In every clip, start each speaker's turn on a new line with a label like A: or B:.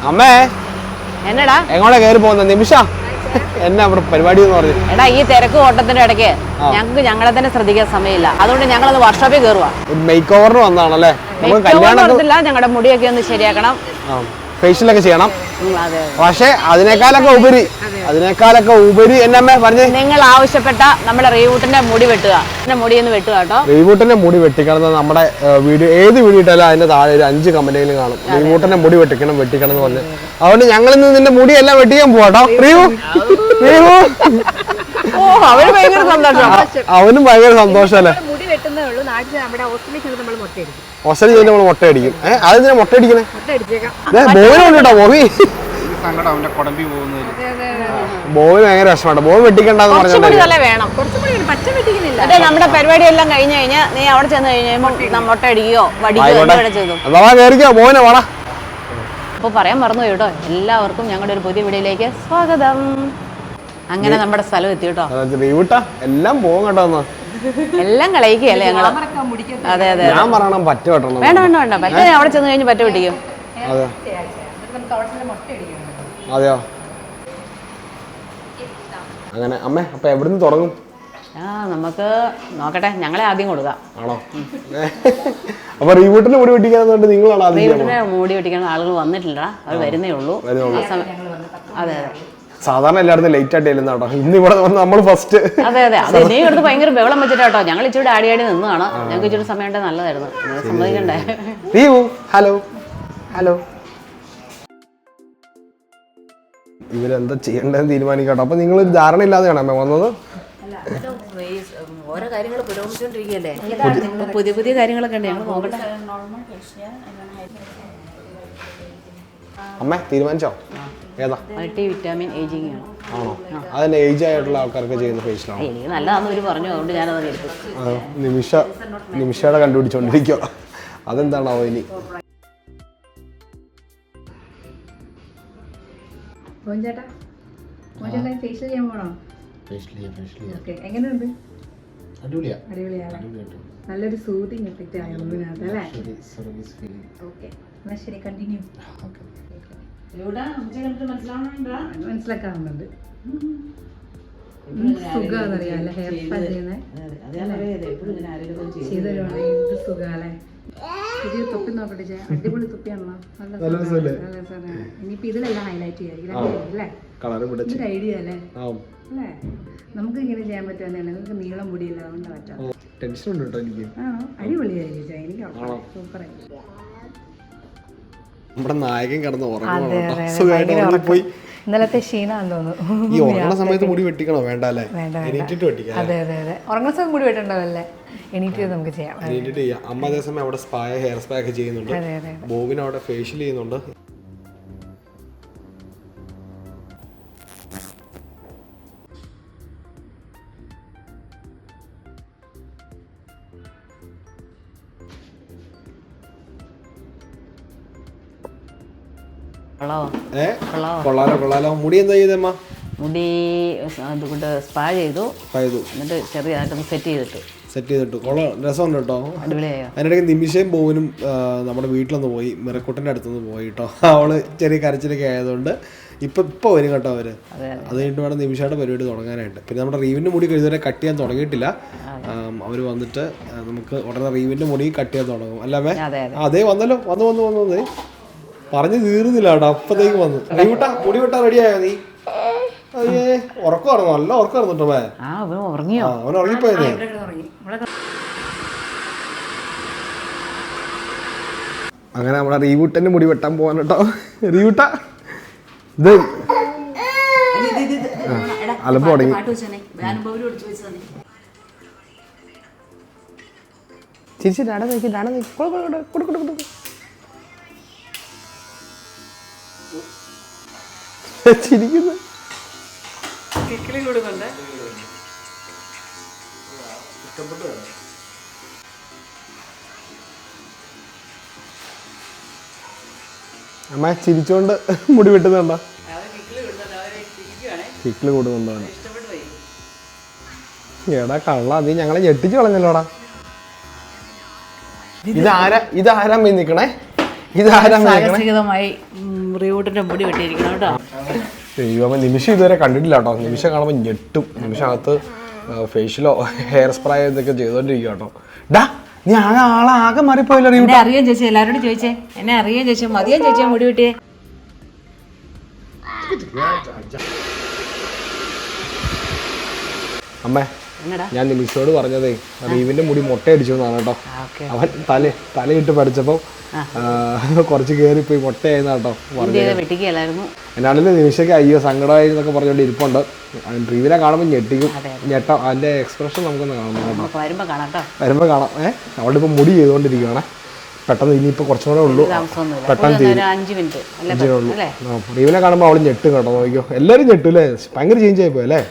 A: അമ്മേ
B: എന്നടാ
A: എങ്ങോട്ടാ കയറി പോകുന്ന നിമിഷ എന്നാ ഇവിടെ പരിപാടി എന്ന് പറഞ്ഞു.
B: എടാ ഈ തിരക്ക് ഓട്ടത്തിന്റെ ഇടയ്ക്ക് ഞങ്ങൾക്ക് ഞങ്ങളെ തന്നെ ശ്രദ്ധിക്കാൻ സമയമില്ല. അതുകൊണ്ട് ഞങ്ങളത് വർക്ക്ഷോപ്പിൽ കയറുവാ.
A: മേക്ക് ഓവറിന് വന്നതാണല്ലേ?
B: ഞങ്ങളുടെ മുടിയൊക്കെ ഒന്ന് ശരിയാക്കണം,
A: ഫേഷ്യലൊക്കെ ചെയ്യണം. പക്ഷെ അതിനേക്കാളൊക്കെ ഉപരി എന്നമ്മേ പറഞ്ഞു,
B: നിങ്ങൾ ആവശ്യപ്പെട്ട നമ്മുടെ റീവൂട്ടിന്റെ മുടി വെട്ടുക. മുടി ഒന്ന് വെട്ടുക കേട്ടോ.
A: റീവൂട്ടിന്റെ മുടി വെട്ടിക്കണം. നമ്മുടെ വീഡിയോ ഏത് വീഡിയോ ഇട്ടാലും അതിന്റെ താഴെ ഒരു 5 കമന്റുകളും കാണും, റീവൂട്ടിന്റെ മുടി വെട്ടിക്കണം എന്ന് പറഞ്ഞു. അതുകൊണ്ട് ഞങ്ങൾ ഇന്ന് നിന്റെ മുടി എല്ലാം വെട്ടിക്കാൻ പോവാട്ടോ.
B: അവന് ഭയങ്കര സന്തോഷം.
A: അവനും ഭയങ്കര സന്തോഷല്ലേ. ഓസ്ട്രേലിയ നമ്മൾ മുട്ടയടിക്കും. അതെന്തിനാ മുട്ടയടിക്കണേ? ബോവിനുണ്ടോ? ബോവിന് ഭയങ്കര വിഷമാണ്. ബോവ് വെട്ടിക്കണ്ടെന്ന് പറഞ്ഞു.
B: നമ്മുടെ പരിപാടി എല്ലാം കഴിഞ്ഞു കഴിഞ്ഞാൽ നീ അവിടെ ചെന്ന് കഴിഞ്ഞാൽ മുട്ട അടിക്കുകയോ വടിക്കുകയോ.
A: ബോവിനെ വേണ.
B: അപ്പൊ പറയാൻ മറന്നു കേട്ടോ, എല്ലാവർക്കും ഞങ്ങളുടെ ഒരു പുതിയ വീഡിയോയിലേക്ക് സ്വാഗതം. അങ്ങനെ നമ്മുടെ സ്ഥലം എത്തി കേട്ടോ.
A: എല്ലാം പോകും കേട്ടോ.
B: എല്ലാം കളയിക്കുകയല്ലേ ഞങ്ങള്. അതെ അതെ,
A: ഞാൻ പറയണം പറ്റ വെട്ടണം.
B: വേണ്ട വേണ്ട വേണ്ട, പറ്റ അവിടെ ചെന്ന് കഴിഞ്ഞ് പറ്റ വെട്ടിക്കും.
A: അതെയോ? അങ്ങനെ അമ്മേ, അപ്പൊ എവിടുന്ന് തുടങ്ങും?
B: നമുക്ക് നോക്കട്ടെ, ഞങ്ങളെ ആദ്യം കൊടുക്കാം.
A: ആണോ? അപ്പൊ റീവൂട്ടിന്റെ മുടി വെട്ടിക്കാൻ നിങ്ങളാണ്?
B: റീവൂട്ടിന്റെ മുടി വെട്ടിക്കാൻ ആളുകൾ വന്നിട്ടില്ല, അവർ വരുന്നേ ഉള്ളൂ. അതെ അതെ,
A: സാധാരണ എല്ലായിടത്തും ലേറ്റ് ആയിട്ട് ചെല്ലുന്ന കേട്ടോ. ഇന്ന് ഇവിടെ വന്ന് നമ്മൾ ഫസ്റ്റ്.
B: അതെ അതെ, അത് ഇനി എടുത്ത് ഭയങ്കര ബഹളം വെച്ചിട്ടാട്ടോ. ഞങ്ങൾ ഇച്ചിരി ആടി നിന്നതാണ്. ഞങ്ങൾക്ക് ഇച്ചിരി സമയം ഉണ്ടെങ്കിൽ നല്ലതായിരുന്നു. സമ്മതിക്കണ്ടേ?
A: ഹലോ ഹലോ, ഇവരെന്താ ചെയ്യേണ്ടതെന്ന് തീരുമാനിക്കട്ടോ. അപ്പൊ നിങ്ങൾ ഒരു ധാരണ ഇല്ലാതെയാണോ അമ്മ വന്നത്?
B: ഓരോ കാര്യങ്ങൾ പുരോഗമിച്ചോണ്ടിരിക്കുകയല്ലേ, പുതിയ പുതിയ കാര്യങ്ങളൊക്കെ ഉണ്ട്. ഞങ്ങൾ നോക്കട്ടെ.
A: അമ്മ തീരുമാനിച്ചോ? ഏതാ?
B: മൾട്ടി വിറ്റാമിൻ ഏജിങ് ആണ്.
A: ആണോ? അതന്നെ ഏജ് ആയിട്ടുള്ള ആൾക്കാർക്ക് ചെയ്യുന്ന ഫേഷ്യലാണ്.
B: എനിക്ക് നല്ലതാണെന്ന് ഇവര് പറഞ്ഞു, അതുകൊണ്ട് ഞാനത് എടുത്തു.
A: നിമിഷയുടെ കണ്ടുപിടിച്ചോണ്ടിരിക്കുക. അതെന്താണാവോ ഇനി?
C: നല്ലൊരു സൂതിങ് എഫക്റ്റ് ആയിരുന്നല്ലേ? ശരി, കണ്ടിന്യൂ. മനസ്സിലാക്കാറുണ്ട്. സുഖാന്നറിയാല്ലേ ഹെയർ സ്പാ ചെയ്യുന്നത്? ചെയ്തരുവാണെങ്കിൽ സുഖാല്ലേ? പുതിയ തൊപ്പി നോക്കട്ടെ ചേ, അടിപൊളി തൊപ്പിയാണല്ലോ. ഇനിയിപ്പോ ഇതിലെല്ലാം ഹൈലൈറ്റ് ചെയ്യാം അല്ലേ? ഐഡിയ അല്ലേ? അല്ലേ, നമുക്ക് ഇങ്ങനെ ചെയ്യാൻ പറ്റുമെന്നാണ്. നിങ്ങൾക്ക് നീളം മുടിയില്ല, അതുകൊണ്ട് പറ്റാം. ആണോ? അടിപൊളിയായിരിക്കും ചേ, എനിക്ക് സൂപ്പറായിരിക്കും.
A: നമ്മുടെ നായകൻ കിടന്ന് ഉറങ്ങുപോയി.
C: ഇന്നലത്തെ ക്ഷീണാന്ന് തോന്നുന്നു.
A: ഈ ഉറങ്ങുന്ന സമയത്ത് മുടി വെട്ടിക്കണോ? വേണ്ട അല്ലേ? എണീറ്റിട്ട് വെട്ടിക്കാം.
C: അതെ അതെ അതെ, ഉറങ്ങുന്ന സമയം മുടി വെട്ടണ്ടാവല്ലേ? എണീറ്റ് നമുക്ക് ചെയ്യാം.
A: എണീറ്റിട്ട് ചെയ്യാം. അമ്മ അതേസമയം അവിടെ ഹെയർ സ്പാ ഒക്കെ ചെയ്യുന്നുണ്ട്. ബോബിന് അവിടെ ഫേഷ്യൽ ചെയ്യുന്നുണ്ട്. കൊള്ളാലോ. മുടി എന്താ ചെയ്തമ്മ?
B: മുടി അതുകൊണ്ട് സ്പാ ചെയ്തു. എന്നിട്ട് ചെറിയതായിട്ടൊന്ന് സെറ്റ് ചെയ്തിട്ടു.
A: രസമുണ്ട് കേട്ടോ. അതിനിടയ്ക്ക് നിമിഷയും ബോവിനും നമ്മുടെ വീട്ടിലൊന്ന് പോയി, മിറക്കുട്ടൻ്റെ അടുത്തൊന്ന് പോയി കേട്ടോ. അവള് ചെറിയ കരച്ചിലൊക്കെ ആയതുകൊണ്ട് ഇപ്പൊ വരും കേട്ടോ അവര്. അത് കഴിഞ്ഞിട്ട് വേണം നിമിഷയുടെ പരിപാടി തുടങ്ങാനായിട്ട്. പിന്നെ നമ്മുടെ റീവിൻ്റെ മുടി ഇതുവരെ കട്ട് ചെയ്യാൻ തുടങ്ങിയിട്ടില്ല. അവര് വന്നിട്ട് നമുക്ക് ഉടനെ റീവിൻ്റെ മുടി കട്ട് ചെയ്യാൻ തുടങ്ങും. അല്ലേ? അതേ വന്നല്ലോ, വന്നു പറഞ്ഞു തീർന്നില്ല കേട്ടോ. അപ്പത്തേക്ക് വന്നു. മുടി വെട്ടാ റെഡിയായോ നീ? അയ്യേ, ഉറക്കമായിരുന്നു, നല്ല ഉറക്കമായിരുന്നു കേട്ടോ. അവൻ ഉറങ്ങിപ്പോയതേ. അങ്ങനെ നമ്മളെ റീവൂട്ടന്റെ മുടി വെട്ടാൻ പോവാൻ കേട്ടോ. റീവൂട്ട ഇത് അലമ്പ് തുടങ്ങി. ചിരിച്ച് ഡാഡ നോക്കി ചിരിക്കുന്നു. അമ്മ ചിരിച്ചോണ്ട് മുടി വെട്ടുന്നുണ്ടോ? കിക്കിള് കൂടുന്നുണ്ടോ? എടാ കള്ള, നീ ഞങ്ങളെ ഞെട്ടിച്ചു കളഞ്ഞല്ലോടാ. ഇതാരാ പോയി നിക്കണേ?
B: സാഹസികമായി റീവൂട്ടിന്റെ മുടി വെട്ടിയിരിക്കണം കേട്ടോ.
A: ദൈവമേ, നിമിഷം ഇതുവരെ കണ്ടിട്ടില്ല കേട്ടോ. നിമിഷം കാണുമ്പോൾ ഞെട്ടും. നിമിഷകത്ത് ഫേഷ്യലോ ഹെയർ സ്പ്രേ ഇതൊക്കെ ചെയ്തോണ്ടിരിക്കുക കേട്ടോ. ഡാ, നീ ആകെ മാറിപ്പോയല്ലോ.
B: എന്നെ അറിയാൻ ചേച്ചി, എല്ലാവരോടും ചോദിച്ചേ. എന്നെ അറിയാൻ ചേച്ചി, മതിയാൻ ചേച്ചിയാ മുടി വെട്ടിയേ.
A: അമ്മേ, ഞാൻ നിമിഷോട് പറഞ്ഞതേ റീവിന്റെ മുടി മൊട്ടയടിച്ചു എന്നാണ് കേട്ടോ. അവൻ തലയിട്ട് പഠിച്ചപ്പോ കുറച്ച് കയറിപ്പോയി മൊട്ടയായിരുന്നു കേട്ടോ. എന്നാണെങ്കിലും നിമിഷയ്ക്ക് അയ്യോ സങ്കടമായി എന്നൊക്കെ പറഞ്ഞുകൊണ്ട് ഇരിപ്പുണ്ട്. റീവിനെ കാണുമ്പോൾ ഞെട്ടാം. അതിന്റെ എക്സ്പ്രഷൻ നമുക്കൊന്ന് കാണാം. വരുമ്പോ കാണാം. അവളുടെ ഇപ്പൊ മുടി ചെയ്തുകൊണ്ടിരിക്കുകയാണ്. പെട്ടെന്ന് ഇനിയിപ്പോ കുറച്ചും കൂടെ ഉള്ളൂ, പെട്ടെന്ന് ഉള്ളൂ. റീവിനെ കാണുമ്പോൾ അവള് ഞെട്ടും കേട്ടോ. നോക്കിയോ, എല്ലാരും ഞെട്ടൂല്ലേ. ഭയങ്കര ചേഞ്ച് ആയിപ്പോ അല്ലേ.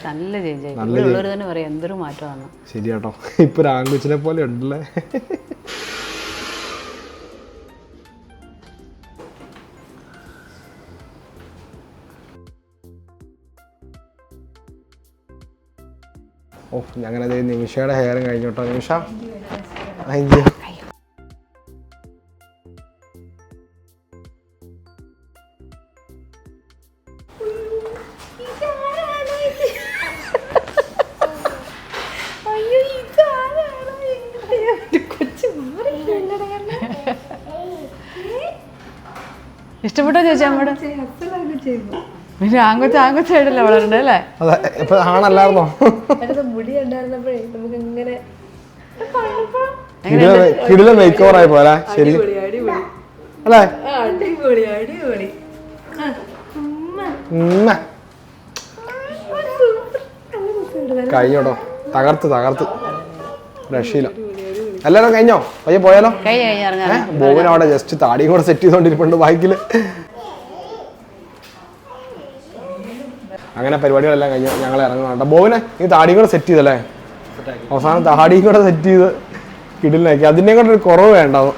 A: ശരി കേട്ടോ. ഇപ്പൊ ആൺകൊച്ചിനെ പോലെ ഉണ്ടല്ലേ. ഓ, ഞങ്ങനെ നിമിഷയുടെ ഹെയറും കഴിഞ്ഞു കേട്ടോ. നിമിഷ, അയ്യോ
B: ഇഷ്ടപ്പെട്ടോ ചേച്ചി അമ്മയുടെ? പിന്നെ ആങ്കൊച്ചായിട്ടല്ലേ വളരണ്ടേ അല്ലേ?
A: അതെ, ഇപ്പൊ ആണല്ലായിരുന്നോ?
C: മുടി ഉണ്ടായിരുന്നപ്പോഴേ നമുക്ക് ഇങ്ങനെ
A: കിടിലൻ മേക്ക് ഓവർ ആയി പോലെ. ശരി അല്ലേ?
C: അടിപൊളി അടിപൊളി.
A: കഴിഞ്ഞോട്ടോ. തകർത്ത് രക്ഷയില്ല. എല്ലാരും കഴിഞ്ഞോ? പയ്യെ പോയാലോ? ബോബിന് അവിടെ ജസ്റ്റ് താടിയും കൂടെ സെറ്റ് ചെയ്തോണ്ടിരിപ്പുണ്ട് ബൈക്കില്. അങ്ങനെ പരിപാടികളെല്ലാം കഴിഞ്ഞു. ഞങ്ങൾ ഇറങ്ങുന്നുണ്ട്. ബോബിനെ ഈ താടിയും കൂടെ സെറ്റ് ചെയ്തല്ലേ? അവസാനം താടിയും കൂടെ സെറ്റ് ചെയ്ത് കിടിലാക്കി. അതിനെ കൂടെ ഒരു കുറവ് വേണ്ടാവും.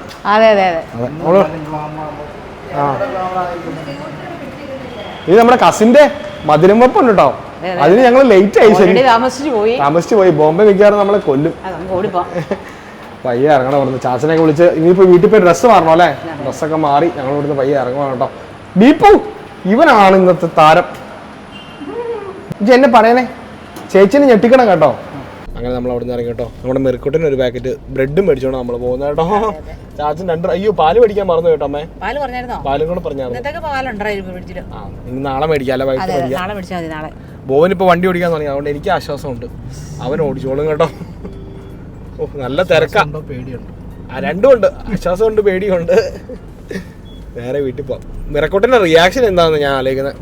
A: ഇത് നമ്മുടെ കസിന്റെ മധുരം വെപ്പുണ്ട് കേട്ടോ. അതിന് ഞങ്ങൾ ലേറ്റ് ആയി. ശരി, താമസിച്ചു പോയി. ബോംബെ മിക്കവാറും നമ്മളെ കൊല്ലും. പയ്യെ ഇറങ്ങണം ഇവിടുന്ന്. ചാച്ചനെയൊക്കെ വിളിച്ച് ഇനിയിപ്പോ വീട്ടിൽ പോയി ഡ്രസ്സ് മാറണം അല്ലേ? ഡ്രസ്സൊക്കെ മാറി ഞങ്ങൾ ഇവിടുന്ന് പയ്യെ ഇറങ്ങണം കേട്ടോ. ദീപു, ഇവനാണ് ഇന്നത്തെ താരം. എന്നെ പറയണേ, ചേച്ചിനെ ഞെട്ടിക്കണം കേട്ടോ. അങ്ങനെ നമ്മൾ അവിടെ നിന്ന് ഇറങ്ങി കേട്ടോ. നമ്മുടെ മെറിക്കുട്ടിന് ഒരു പാക്കറ്റ് ബ്രെഡും മേടിച്ചോണ്ട് നമ്മൾ പോകുന്നത് കേട്ടോ. ചാച്ചൻ അയ്യോ പാല് മേടിക്കാൻ മറന്നു കേട്ടോ. അമ്മേ പാലും കൂടെ പറഞ്ഞായിരുന്നു. ഇനി നാളെ മേടിക്കാല്ലേ? ബോവനിപ്പോ വണ്ടി ഓടിക്കാൻ തുടങ്ങി. അതുകൊണ്ട് എനിക്ക് ആശ്വാസമുണ്ട്. അവൻ ഓടിച്ചോളും കേട്ടോ. ഓ, നല്ല തിരക്കുണ്ടോ? പേടിയുണ്ട്. രണ്ടും ഉണ്ട്. ആശ്വാസമുണ്ട്, പേടിയുണ്ട്. നേരെ വീട്ടിൽ പോവാം. മിറക്കോട്ടിന്റെ റിയാക്ഷൻ എന്താണെന്ന് ഞാൻ ആലോചിക്കുന്നത്.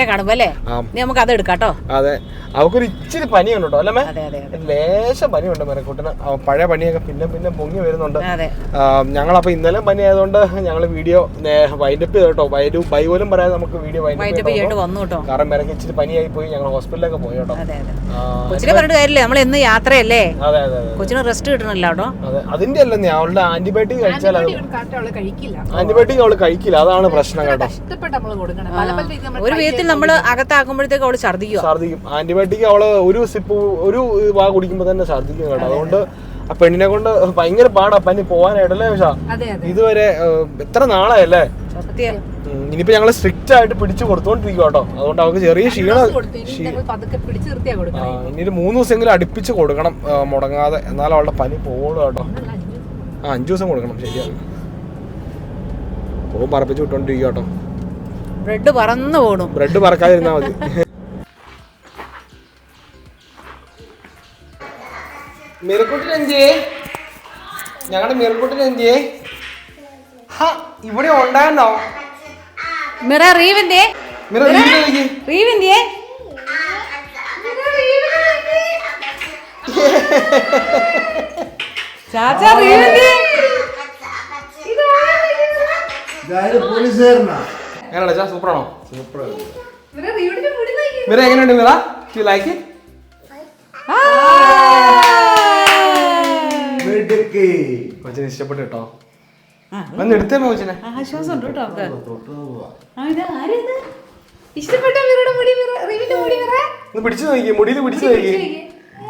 A: അതെ, അവക്കൊരു ഇച്ചിരി പനിയുണ്ട് കേട്ടോ അല്ലേ? ലേശം പനിയുണ്ട് മിറക്കോട്ടിന്. പഴയ പനിയൊക്കെ പിന്നെ പൊങ്ങി വരുന്നുണ്ട്. ഞങ്ങളപ്പോ ഇന്നലെ പനി ആയതുകൊണ്ട് ഞങ്ങൾ വീഡിയോ വൈൻഡപ്പ് ചെയ്തു കേട്ടോ. ബൈപോലും പറയാതെ നമുക്ക് വീഡിയോ വൈൻഡപ്പ് ചെയ്യേണ്ടി വന്നു കേട്ടോ. കാരണം മിറക്ക് ഇച്ചിരി പനിയായി പോയി. ഞങ്ങൾ ഹോസ്പിറ്റലിലൊക്കെ പോയി കേട്ടോ.
B: യാത്രയല്ലേ, കൊച്ചിന് റെസ്റ്റ് കിട്ടണല്ലോ കേട്ടോ.
A: അതെ, അതിന്റെ അല്ലെന്നേ അവളുടെ ആന്റിബയോട്ടിക് കഴിച്ചാൽ ആന്റിബയോട്ടിക് അവള് കഴിക്കില്ല. അതാണ് പ്രശ്നം കേട്ടോ.
B: ഒരു വിധത്തിൽ നമ്മൾ അകത്താക്കുമ്പോഴത്തേക്ക് അവള് ഛർദിക്കും.
A: ആന്റിബയോട്ടിക് അവള് ഒരു വാ കുടിക്കുമ്പോ തന്നെ ഛർദിക്കും കേട്ടോ. അതുകൊണ്ട് ആ പെണ്ണിനെ കൊണ്ട് ഭയങ്കര പാടാ പനി പോവാനായിട്ടല്ലേ? പക്ഷേ ഇതുവരെ എത്ര നാളായല്ലേ? ഇനിയിപ്പോ ഞങ്ങള് സ്ട്രിക്റ്റ് ആയിട്ട് പിടിച്ചു കൊടുത്തോണ്ടിരിക്കും കേട്ടോ. അതുകൊണ്ട് അവർക്ക് ചെറിയ ക്ഷീണം. ഇനി ഒരു 3 ദിവസമെങ്കിലും അടുപ്പിച്ച് കൊടുക്കണം മുടങ്ങാതെ. എന്നാലും അവളുടെ പനി പോകണം കേട്ടോ. 5 ദിവസം കൊടുക്കണം. ശരിയാണ്. പോകും പറപ്പിച്ച് വിട്ടോണ്ടിരിക്കും കേട്ടോ.
B: ബ്രെഡ് പറന്നു പോകണം.
A: ബ്രെഡ് പറക്കാതിരുന്നാ മതി. ഞങ്ങളുടെ മിറക്കുട്ടിന് എന്തിയേ? ഇവിടെ ഉണ്ടായിരുന്നോ? എങ്ങനെയാ? സൂപ്പറാണോ? മിറ എങ്ങനെയുണ്ട്? Mira, you like it? കൊച്ചിനെ ഇഷ്ടപ്പെട്ടു കേട്ടോ. വന്ന് എടുത്തേ കൊച്ചിനെ.
B: ആശ്വാസം ഉണ്ട് കേട്ടോ.
A: പിടിച്ചു നോക്കി, മുടിയിൽ പിടിച്ചു നോക്കി.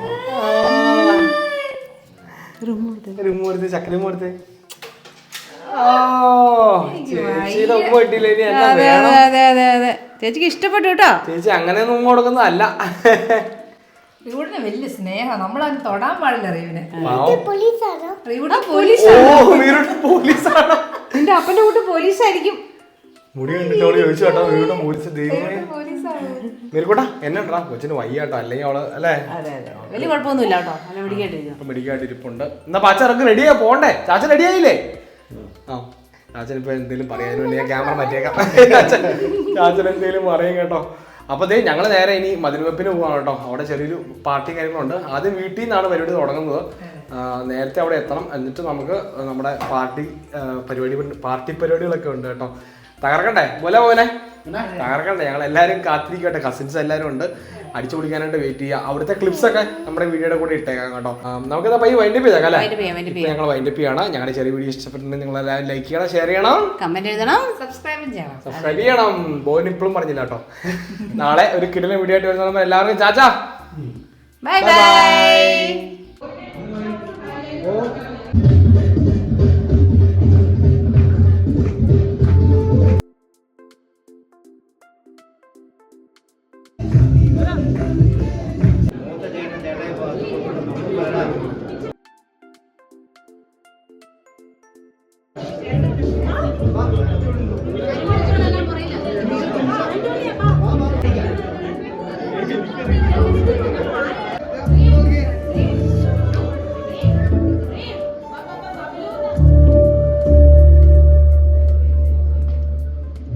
A: ചക്കരയും കൊടുത്തേ. ചേച്ചിയുടെ ഉമ്മ കിട്ടിയില്ല, ഇനി എന്നാ
B: അതെ
A: വേണം?
B: അതെ അതെ അതെ ചേച്ചിക്ക് ഇഷ്ടപ്പെട്ടു കേട്ടോ.
A: ചേച്ചി അങ്ങനെയൊന്നും ഉമ്മ കൊടുക്കുന്നതല്ല.
C: റിയൂഡിന് വലിയ സ്നേഹം, നമ്മളതിന് തൊടാൻ പാടില്ല റിയൂവിനെ. റിയൂഡ്
A: പോലീസാണ്.
C: നിന്റെ അപ്പന്റെ കൂട്ട് പോലീസായിരിക്കും.
A: മുടി കണ്ടിട്ടോട് ചോദിച്ചു കേട്ടോ, വീണ്ടും പോലീസ് ദൈവമേ. മേരിക്കോട്ടാ എന്നാ കൊച്ചിന് വയ്യാട്ടോ, അല്ലെങ്കിൽ അവള് അല്ലേ
B: വലിയ കുഴപ്പമൊന്നുമില്ല കേട്ടോ, നല്ല
A: മെഡിക്കായിട്ട് ഇരിപ്പുണ്ട്. എന്നാ പാച്ച ഇറക്ക് റെഡിയാ പോണ്ടേ? ചാച്ചൻ റെഡിയായില്ലേ? ആ ചാച്ചൻ ഇപ്പൊ എന്തെങ്കിലും പറയാനും ഞാൻ ക്യാമറ മാറ്റിയേക്കാം. ചാച്ചൻ എന്തെങ്കിലും പറയും കേട്ടോ. അപ്പോൾ ദേ ഞങ്ങൾ നേരെ ഇനി മതിൽവെപ്പിന് പോവാണ് കേട്ടോ. അവിടെ ചെറിയൊരു പാർട്ടി കാര്യങ്ങളുണ്ട്. ആദ്യം വീട്ടിൽ നിന്നാണ് പരിപാടി തുടങ്ങുന്നത്. നേരത്തെ അവിടെ എത്തണം, എന്നിട്ട് നമുക്ക് നമ്മുടെ പാർട്ടി പരിപാടികളൊക്കെ ഉണ്ട് കേട്ടോ. തകർക്കണ്ടേ പോലെ തകർക്കണ്ടേ? ഞങ്ങൾ എല്ലാവരും കാത്തിരിക്കട്ടെ, കസിൻസ് എല്ലാവരും ഉണ്ട്, അടിച്ചു പൊളിക്കാനായിട്ട് വെയിറ്റ് ചെയ്യുക. അവിടുത്തെ ക്ലിപ്സ് ഒക്കെ നമ്മുടെ വീഡിയോയുടെ കൂടെ ഇട്ടേക്കാം കേട്ടോ. നമുക്കിതാ പയ്യെ വൈൻഡപ്പ് ചെയ്തേക്കാം അല്ലേ? ഞങ്ങൾ വൈൻഡപ്പ് ചെയ്യണം. ഞങ്ങളുടെ ചെറിയ വീഡിയോ ഇഷ്ടപ്പെട്ടിട്ടുണ്ടെങ്കിൽ നിങ്ങൾ എല്ലാവരും ലൈക്ക് ചെയ്യണം, ഷെയർ ചെയ്യണം,
B: കമന്റ് എഴുതണം,
A: സബ്സ്ക്രൈബ് ചെയ്യണം. ബോൻ ഇപ്പോഴും പറഞ്ഞില്ല കേട്ടോ. നാളെ ഒരു കിടിലൻ വീഡിയോ ആയിട്ട് വരുന്ന എല്ലാവർക്കും ചാച്ചാ
B: ബൈ ബൈ.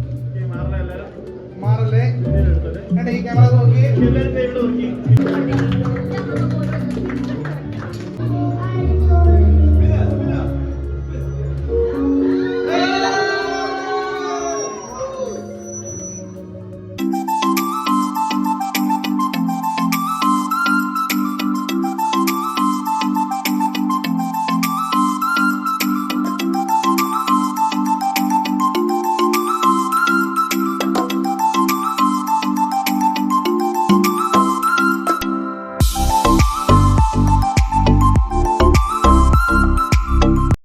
A: മാറല്ലേ? ഈ ക്യാമറ നോക്കി